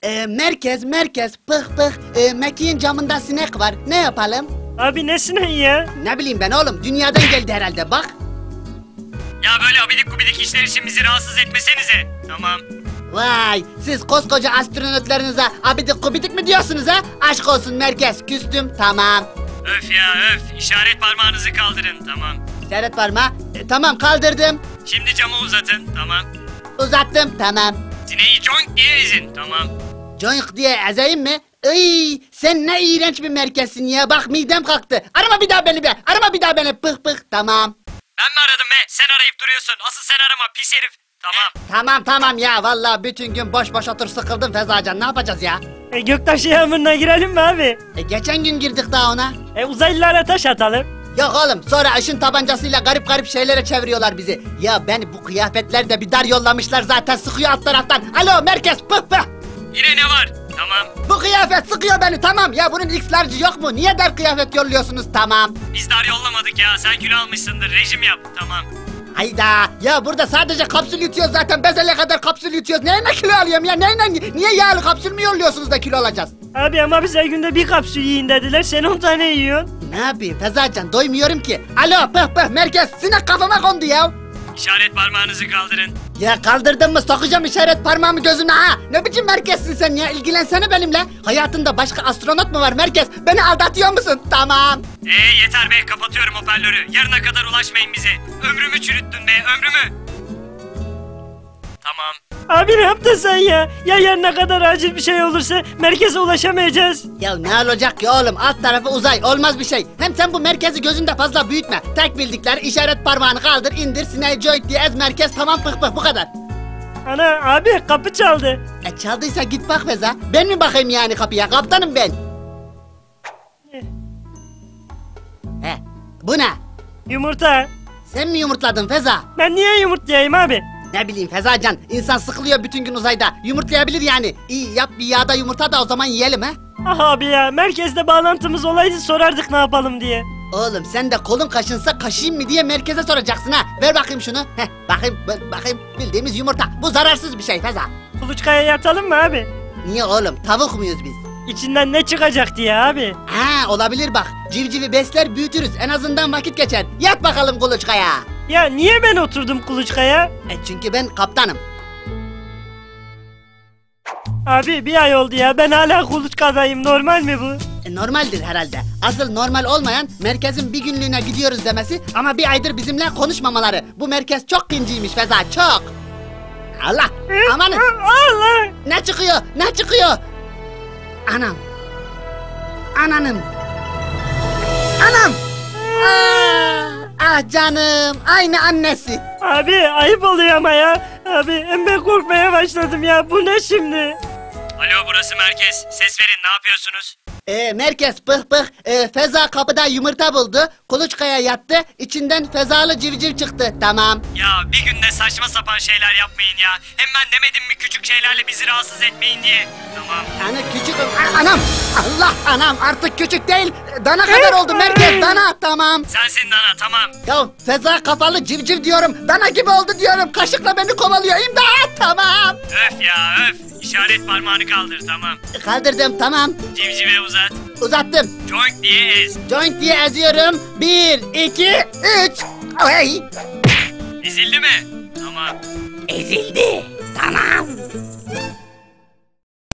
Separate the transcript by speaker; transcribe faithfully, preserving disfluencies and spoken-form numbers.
Speaker 1: Ee, merkez merkez pıh pıh ee, Mekiğin camında sinek var, ne yapalım?
Speaker 2: Abi ne sineği ya?
Speaker 1: Ne bileyim ben oğlum, dünyadan geldi herhalde bak.
Speaker 3: Ya böyle abidik gubidik işler için bizi rahatsız etmesenize. Tamam.
Speaker 1: Vay, siz koskoca astronotlarınıza abidik gubidik mi diyorsunuz ha? Aşk olsun merkez, küstüm, tamam.
Speaker 3: Öf ya öf, işaret parmağınızı kaldırın, tamam.
Speaker 1: İşaret parmağı, e, tamam kaldırdım.
Speaker 3: Şimdi camı uzatın, tamam.
Speaker 1: Uzattım, tamam.
Speaker 3: Sineği conk diye ezin, tamam.
Speaker 1: Joink diye ezeyim mi? Iy, sen ne iğrenç bir merkezsin ya, bak midem kalktı. Arama bir daha beni be, arama bir daha beni, pıh pıh, tamam.
Speaker 3: Ben mi aradım be? Sen arayıp duruyorsun. Asıl sen arama pis herif. Tamam.
Speaker 1: Tamam tamam ya, vallahi bütün gün boş boş otur sıkıldım Fezacan, ne yapacağız ya?
Speaker 2: E, göktaşı yağmuruna girelim mi abi?
Speaker 1: E, geçen gün girdik daha ona.
Speaker 2: E, uzaylılara taş atalım.
Speaker 1: Yok oğlum, sonra ışın tabancasıyla garip garip şeylere çeviriyorlar bizi. Ya beni bu kıyafetlerde bir dar yollamışlar zaten, sıkıyor alt taraftan. Alo merkez, pıh pıh.
Speaker 3: Yine ne var? Tamam.
Speaker 1: Bu kıyafet sıkıyor beni, tamam. Ya bunun X-large'ı yok mu? Niye dar kıyafet yolluyorsunuz, tamam.
Speaker 3: Biz dar yollamadık ya. Sen kilo almışsındır. Rejim yap. Tamam.
Speaker 1: Hayda, ya burada sadece kapsül yutuyoruz zaten, bezele kadar kapsül yutuyoruz. Neyle kilo alıyorum ya, neyle, niye yağlı kapsül mü yolluyorsunuz da kilo alacağız?
Speaker 2: Abi ama bize günde bir kapsül yiyin dediler, sen on tane yiyorsun.
Speaker 1: Ne yapayım Fezacan, doymuyorum ki. Alo pıh pıh merkez, sinek kafama kondu ya.
Speaker 3: İşaret parmağınızı kaldırın.
Speaker 1: Ya kaldırdın mı sokacağım işaret parmağımı gözüne ha. Ne biçim merkezsin sen ya, ilgilensene benimle. Hayatında başka astronot mu var merkez? Beni aldatıyor musun? Tamam.
Speaker 3: Ee yeter be, kapatıyorum hoparlörü. Yarına kadar ulaşmayın bize. Ömrümü çürüttün be, ömrümü. Tamam.
Speaker 2: Abi ne yaptın sen ya? Ya yarına kadar acil bir şey olursa merkeze ulaşamayacağız.
Speaker 1: Ya ne olacak ki oğlum, alt tarafı uzay, olmaz bir şey. Hem sen bu merkezi gözünde fazla büyütme. Tek bildikleri işaret parmağını kaldır, indir, sineği joint diye ez, merkez, tamam, pıh pıh, bu kadar.
Speaker 2: Ana abi kapı çaldı.
Speaker 1: E çaldıysa git bak Feza. Ben mi bakayım yani kapıya, kaptanım ben. He, bu ne?
Speaker 2: Yumurta.
Speaker 1: Sen mi yumurtladın Feza?
Speaker 2: Ben niye yumurtlayayım abi?
Speaker 1: Ne bileyim Fezacan, insan sıkılıyor bütün gün uzayda. Yumurtlayabilir yani. İyi yap bir yağda yumurta da o zaman yiyelim ha.
Speaker 2: Ah abi ya, merkezde bağlantımız olaydı sorardık ne yapalım diye.
Speaker 1: Oğlum sen de kolun kaşınsa kaşıyım mı diye merkeze soracaksın ha. Ver bakayım şunu. Heh, bakayım ver bakayım, bildiğimiz yumurta. Bu zararsız bir şey Feza.
Speaker 2: Kuluçkaya yatalım mı abi?
Speaker 1: Niye oğlum, tavuk muyuz biz?
Speaker 2: İçinden ne çıkacak diye abi.
Speaker 1: Ha olabilir bak. Civcivi besler büyütürüz, en azından vakit geçer. Yat bakalım kuluçkaya.
Speaker 2: Ya niye ben oturdum kuluçkaya?
Speaker 1: E çünkü ben kaptanım.
Speaker 2: Abi bir ay oldu ya, ben hala kuluçkadayım, normal mi bu?
Speaker 1: E, normaldir herhalde. Asıl normal olmayan merkezin bir günlüğüne gidiyoruz demesi ama bir aydır bizimle konuşmamaları. Bu merkez çok kinciymiş Feza, çok. Allah, amanın.
Speaker 2: Allah!
Speaker 1: Ne çıkıyor, ne çıkıyor? Anam. Ananım. Anam. Aa, ah canım, aynı annesi.
Speaker 2: Abi ayıp oluyor ama ya. Abi hem ben korkmaya başladım ya, bu ne şimdi?
Speaker 3: Alo burası merkez. Ses verin, ne yapıyorsunuz?
Speaker 1: Ee, merkez pıh pıh, ee, Feza kapıda yumurta buldu, kuluçkaya yattı, içinden fezalı civciv çıktı, tamam.
Speaker 3: Ya bir günde saçma sapan şeyler yapmayın ya. Hem ben demedim mi küçük şeylerle bizi rahatsız etmeyin diye. Tamam.
Speaker 1: Ana küçük, A- anam, Allah anam artık küçük değil, dana kadar oldu merkez, dana, tamam.
Speaker 3: Sensin Dana, tamam.
Speaker 1: Ya Feza kafalı civciv diyorum, dana gibi oldu diyorum, kaşıkla beni kovalıyor, imdat, tamam.
Speaker 3: Öf ya öf. İşaret parmağını kaldır, tamam.
Speaker 1: Kaldırdım, tamam,
Speaker 3: Civcive uzat.
Speaker 1: uzattım.
Speaker 3: Joink diye ez.
Speaker 1: Joint diye eziyorum, bir, iki, üç, ay.
Speaker 3: Ezildi mi? Tamam.
Speaker 1: Ezildi, tamam.